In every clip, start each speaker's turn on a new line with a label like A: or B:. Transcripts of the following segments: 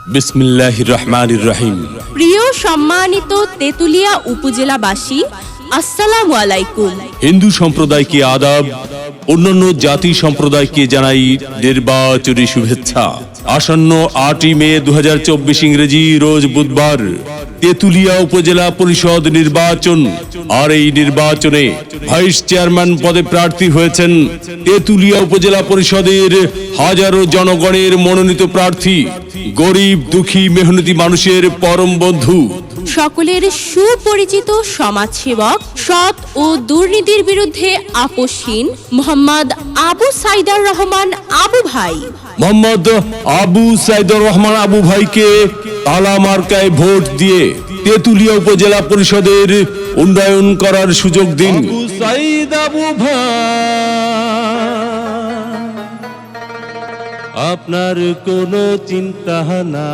A: বিসমিল্লাহির রহমানির রহিম।
B: প্রিয় সম্মানিত তেতুলিয়া উপজেলাবাসী, আসসালামু আলাইকুম।
A: হিন্দু সম্প্রদায়কে আদাব, অন্যান্য জাতি সম্প্রদায়কে জানাই নির্বাচনী শুভেচ্ছা। আসন্ন 8 মে 2024 ইংরেজি রোজ বুধবার তেতুলিয়া উপজেলা পরিষদ নির্বাচন। আর এই নির্বাচনে ভাইস চেয়ারম্যান পদে প্রার্থী হয়েছেন তেতুলিয়া উপজেলা পরিষদের হাজারো জনগণের মনোনীত প্রার্থী, গরিব দুঃখী মেহনতি মানুষের পরম বন্ধু,
B: সকলের সুপরিচিত সমাজসেবক, সৎ ও দুর্নীতির বিরুদ্ধে আপোষহীন মোহাম্মদ আবু সাইদার রহমান আবু ভাই।
A: মোহাম্মদ আবু সাইদুর রহমান আবু ভাইকে তালা মার্কায় ভোট দিয়ে তেতুলিয়া উপজেলা পরিষদের উন্নয়ন করার সুযোগ দিন। আবু সাইদ আবু ভাই, আপনার কোনো চিন্তা না।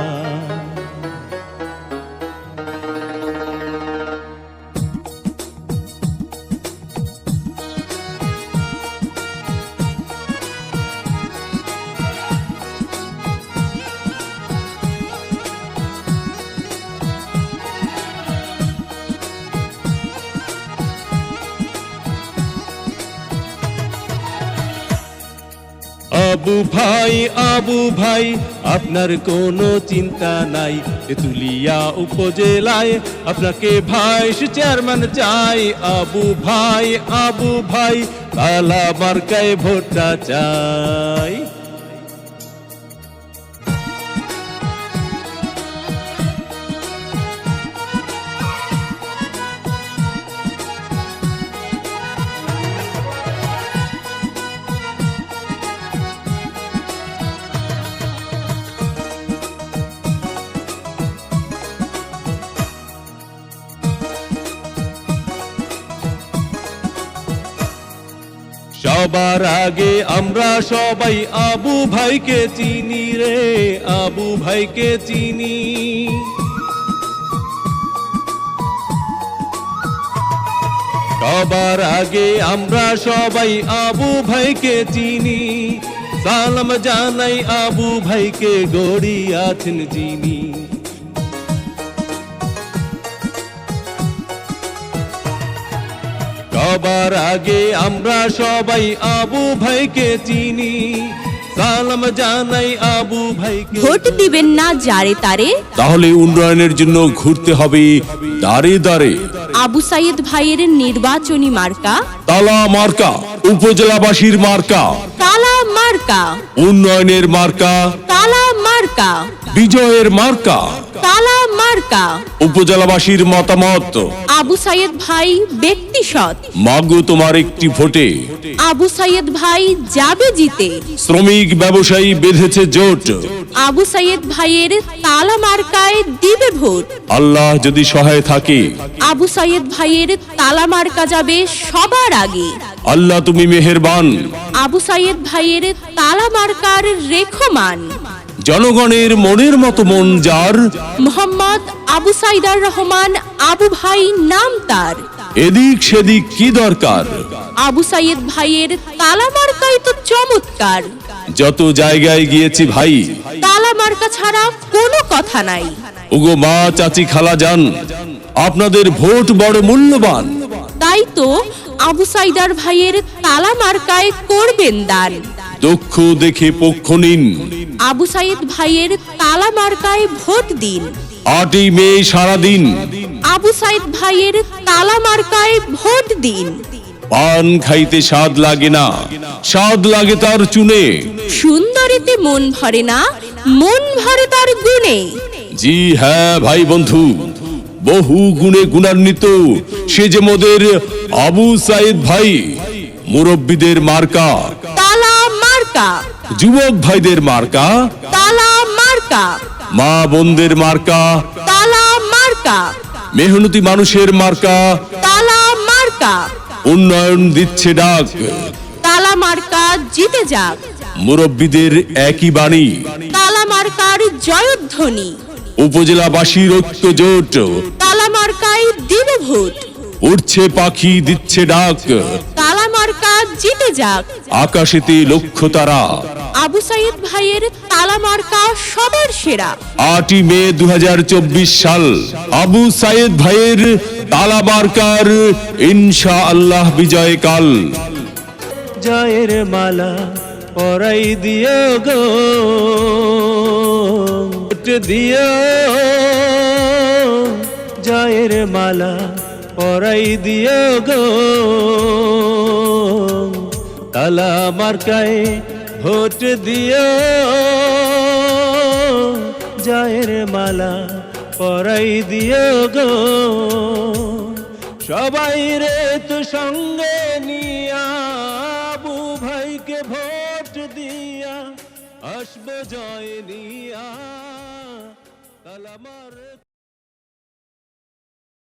A: আবু ভাই আপনার কোনো চিন্তা নাই, তেতুলিয়া উপজেলায় আপনাকে ভাইস চেয়ারম্যান চাই। আবু ভাই তালা মার্কায় ভোটটা চাই। সবার আগে আমরা সবাই আবু ভাইকে চিনি রে, আবু ভাইকে চিনি। সবার আগে আমরা সবাই আবু ভাইকে চিনি, সালাম জানাই আবু ভাইকে গড়িয়াছেন যিনি। সবার আগে আমরা সবাই আবু ভাইকে চিনি, সালাম জানাই আবু ভাইকে।
B: ভোট দিবেন না যারে তারে,
A: তাহলে উন্নয়নের জন্য ঘুরতে হবে দাঁড়ে দাঁড়ে।
B: আবু সাইদ ভাইয়ের নির্বাচনী মার্কা
A: তালা মার্কা, উপজেলাবাসীর মার্কা
B: তালা মার্কা,
A: উন্নয়নের মার্কা
B: তালা মার্কা,
A: বিজয়ের মার্কা
B: তালা মার্কা।
A: উপজেলাবাসীর মতামত,
B: আবু সাইদ ভাই ব্যক্তি সৎ,
A: মাগো তোমার একটি ভোটে
B: আবু সাইদ ভাই যাবে জিতে।
A: শ্রমিক ব্যবসায়ী বেঁধেছে জোট,
B: আবু সাইদ ভাইয়ের তালা মার্কায় দিবে ভোট।
A: আল্লাহ যদি সহায় থাকে
B: আবু সাইদ ভাইয়ের তালা মার্কা যাবে সবার আগে।
A: আল্লাহ তুমি মেহেরবান।
B: আবু সাইদ ভাইয়ের তালা মার্কার রেখমান,
A: জনগণের মনের মতো মন যার,
B: মোহাম্মদ আবু সাইদার রহমান আবু ভাই নাম তার।
A: এদিক সেদিক কি দরকার,
B: আবু সাইদ ভাইয়ের তালা মার্কাই তো চমৎকার।
A: যত জায়গায় গিয়েছি ভাই,
B: তালা মার্কা ছাড়া কোনো কথা নাই।
A: ওগো মা চাচি খালা যান, আপনাদের ভোট বড় মূল্যবান।
B: তাই তো আবু সাইদার ভাইয়ের তালা মার্কায় করবেন দান।
A: দক্ষ দেখে পক্ষ নিন,
B: আবু সাইদ ভাইয়ের তালা মার্কায় ভোট দিন।
A: 8 মে সারাদিন
B: আবু সাইদ ভাইয়ের তালা মার্কায় ভোট দিন।
A: পান খাইতে স্বাদ লাগে না, স্বাদ লাগে তার চুনে।
B: সুন্দরীতে মন ভরে না, মন ভরে তার গুণে।
A: জি হ্যাঁ ভাই বন্ধু, বহু গুণে গুণান্বিত সে যে মোদের আবু সাইদ ভাই। মুরব্বীদের মার্কা
B: তালা মার্কা,
A: যুবক ভাইদের মার্কা
B: তালা মার্কা,
A: মা বোনদের মার্কা
B: তালা মার্কা,
A: মেহনতি মানুষের মার্কা।
B: তালা মার্কা,
A: উন্নয়ন দিচ্ছে ডাক,
B: তালা মার্কা জিতে যাক।
A: মুরব্বীদের একই বাণী,
B: তালা মার্কার জয়ধ্বনি।
A: উপজেলাবাসীর ঐক্য জোট,
B: তালা মার্কায় দিবে ভোট।
A: উঠছে পাখি দিচ্ছে ডাক,
B: তালা মার্কা জিতে যাক।
A: আকাশেতে লক্ষ্য তারা,
B: আবু সাইদ ভাইয়ের তালা মার্কা সবার সেরা।
A: 8ই মে 2024 সাল আবু সাইদ ভাইয়ের তালা মার্কার ইনশাআল্লাহ বিজয়কাল।
C: জয়ের মালা পরাই দিও গো, ভোট দিও। জয়ের মালা পরাই দিও গো, তালা মার্কায় ভোট দিও। জয়ের মালা পরাই দিও গো, সবাই রে তো সঙ্গে নিয়া আবু ভাইকে ভোট দিয়া আসবো জয় নিয়া। তালা মার